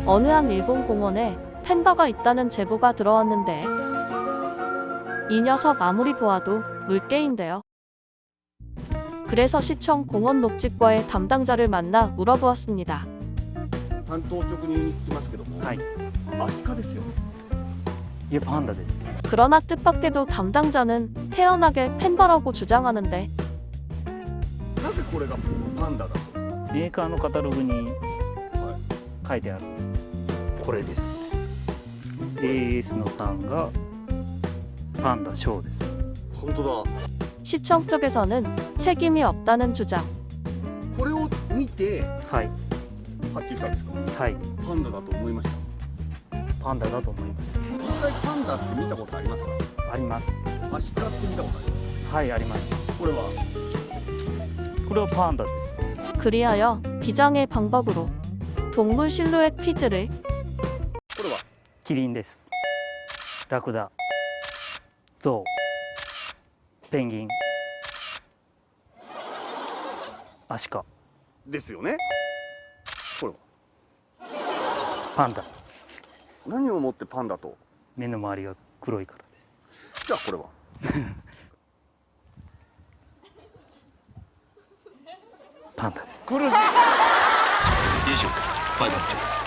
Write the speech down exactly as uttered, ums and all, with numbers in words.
어느 한 일본 공원에 팬더가 있다는 제보가 들어왔는데 이 녀석 아무리 보아도 물개인데요. 그래서 시청 공원 녹지과의 담당자를 만나 물어보았습니다. 担当直入に聞きますけども、 はい。 アシカですよね。 いえ、パンダです。 그러나 뜻밖에도 담당자는 태연하게 팬더라고 주장하는데 なぜこれがパンダだと。 メーカーのカタログには書いてあるんです。これです。エーエス のさんがパンダショーです。 い。本当だ。 시청 쪽에서는 책임이 없다는 주장. これを見てはい発注したんですか。 はいパンダだと思いました。 パンダだと思いまし実際パンダって見たことありますか。 た。あります。 アシカって見たことありますはい、あります。 か。これはこれはパンダです。 그리하여 비장의 방법으로 동물 실루엣 퀴즈를 これはキリンです。ラクダ、ゾウ、ペンギン、アシカ、 ですよね。これはパンダ。 何をもってパンダと。 目の周りが黒いからです。 じゃあこれはパンダです。 以上です裁判長。